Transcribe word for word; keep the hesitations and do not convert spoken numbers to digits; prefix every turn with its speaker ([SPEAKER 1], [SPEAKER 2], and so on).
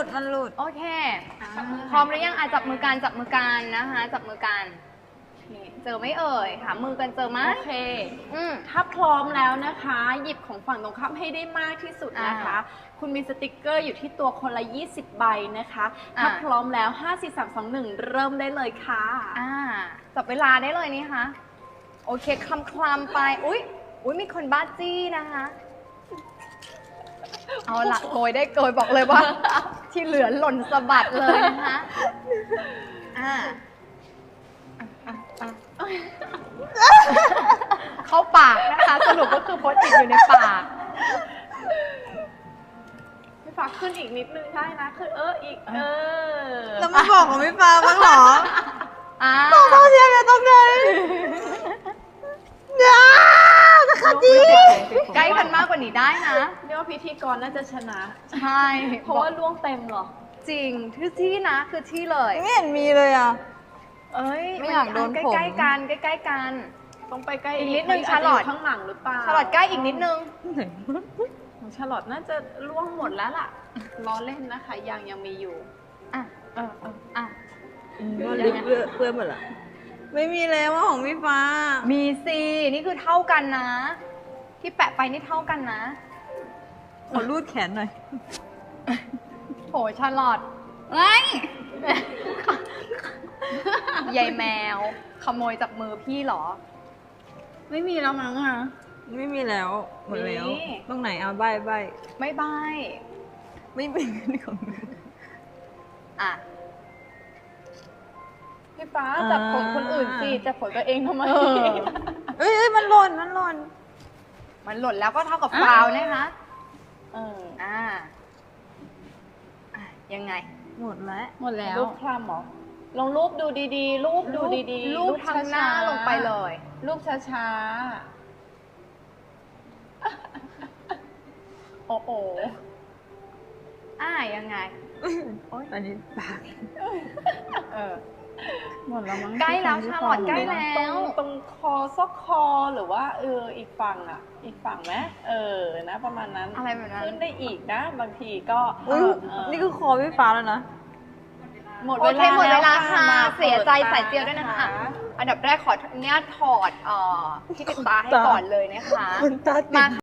[SPEAKER 1] ดมันหลุด
[SPEAKER 2] โอเคพร้อมหรือยังอ่ะจับมือกันจับมือกันนะคะจับมือกันเจอไหม่เอ่ยหามือกันเจอไหม
[SPEAKER 3] โอเคอืมถ้าพร้อมแล้วนะคะ หยิบของฝั่งตรงข้ามให้ได้มากที่สุดนะคะ คุณมีสติกเกอร์อยู่ที่ตัวคนละยี่สิบใบนะคะถ้าพร้อมแล้วห้า สี่ สาม สอง หนึ่งเริ่มได้เลยค่ะ
[SPEAKER 2] อ่าจับเวลาได้เลยนี่คะโอเคคลำคลำไปอุ๊ยอุ๊ยมีคนบ้าจี้นะคะเอาละโกยได้โกยบอกเลยว่า ที่เหลือหล่นสะบัดเลยนะคะอ่าเข้าปากนะคะสรุปก็คือโพสต์ติดอยู่ในปาก
[SPEAKER 3] พี่ฟ้าขึ้นอีกนิดนึงได้นะขึ้นเอออีกเออ
[SPEAKER 1] แล้วไม่บอกของพี่ฟ้าบ้างเหรอ
[SPEAKER 2] อ่า
[SPEAKER 1] ต้องเข้าเชียร์กันตรงไหนเนี่ยจะขัดจี
[SPEAKER 2] ใกล้กันมากกว่านี้ได้นะ
[SPEAKER 3] เรียกว่าพิธีกรน่าจะชนะ
[SPEAKER 2] ใช่
[SPEAKER 3] เพราะว่าล่วงเต็มเหรอ
[SPEAKER 2] จริงที่ที่นะคือที่เลย
[SPEAKER 1] ไม่เห็นมีเลยอ่ะ
[SPEAKER 2] เอ้ย
[SPEAKER 1] ไม่อยากโดนผม
[SPEAKER 2] ใกล้ๆกันใกล้ๆกัน
[SPEAKER 3] ต้องไปใกล้
[SPEAKER 2] อีกนิดนึง
[SPEAKER 3] จจะ
[SPEAKER 2] ชาลอต
[SPEAKER 3] ยู่ข้างหลังหรือเปล่า
[SPEAKER 2] ฉลอดใกล้อีกนิดนึง
[SPEAKER 3] ของชาลอตน่าจะล่วงหมดแล้วล่ะล้อเล่นนะคะยังยังมีอยู่
[SPEAKER 2] อ่ะเออเอออ่ะ
[SPEAKER 1] ลิปเพื่อนหมดละไม่มีแล้วว่าของพี่ฟ้า
[SPEAKER 2] มีสินี่คือเท่ากันนะ ที่แปะไปนี่เท่ากันนะ
[SPEAKER 1] ขอรูดแขนหน่อย
[SPEAKER 2] โหชาลอต
[SPEAKER 1] ไอ้
[SPEAKER 2] ยายแมว ขโมยจากมือพี่เหรอ
[SPEAKER 3] ไม่มีแล้วมั้งอ่ะ
[SPEAKER 1] ไม่มีแล้ว หมดแล้ว
[SPEAKER 3] มี
[SPEAKER 1] ตรงไหนเอาใบใบ
[SPEAKER 2] ไม่บาย
[SPEAKER 1] ไม่เป็นของหนู
[SPEAKER 2] อ่ะ
[SPEAKER 3] พี่ฟ้า
[SPEAKER 1] อ่า
[SPEAKER 3] จับของคนอื่นสิจับของตัวเองทำไม
[SPEAKER 2] เออ
[SPEAKER 1] เอ้ยเอ้ยมันหล่นมันหล่น
[SPEAKER 2] มันหล่นแล้วก็เท่ากับฟาวล์นะคะ
[SPEAKER 3] เออ
[SPEAKER 2] อ่าอ่ะยังไง
[SPEAKER 1] หมดแล้ว
[SPEAKER 3] หมดแล้วรูปคลำเหรอลองรูปดูดีๆ รูปดูดีๆ
[SPEAKER 2] รูปทางหน้า
[SPEAKER 3] ช้ๆ
[SPEAKER 2] ลงไปเลย
[SPEAKER 3] รูปช้าๆ โอ้โห
[SPEAKER 2] อ่ายังไง
[SPEAKER 1] อันนี้ปาก
[SPEAKER 2] เออ
[SPEAKER 3] หมดแล้วมั้ง
[SPEAKER 2] ใกล้แล้วชาลอตใกล้แล้ว
[SPEAKER 3] ตรงตรงคอซอกคอหรือว่าเอออีกฝั่งอ่ะ อีกฝั่งไหมเออนะประมาณนั้น
[SPEAKER 2] อะไรแบบนั้น
[SPEAKER 3] ขึ้นได้อีกนะ บางทีก็
[SPEAKER 1] อุ้ย
[SPEAKER 3] เออ
[SPEAKER 1] นี่คือคอพี่ฟ้าแล้วนะ
[SPEAKER 3] หมด
[SPEAKER 2] โอ
[SPEAKER 3] เว
[SPEAKER 2] เค
[SPEAKER 3] ลา
[SPEAKER 2] หมดเวลา
[SPEAKER 3] แ
[SPEAKER 2] ค่ะ
[SPEAKER 3] มา
[SPEAKER 2] เสียใจ
[SPEAKER 3] ปิ
[SPEAKER 2] ใส่เจียวด้วยนะคะ อันดับแรกขออนุญาตถอดเอ่อที่ติดตาให้ก่อนเลยนะคะ
[SPEAKER 1] คนตาติด
[SPEAKER 2] มาค่ะ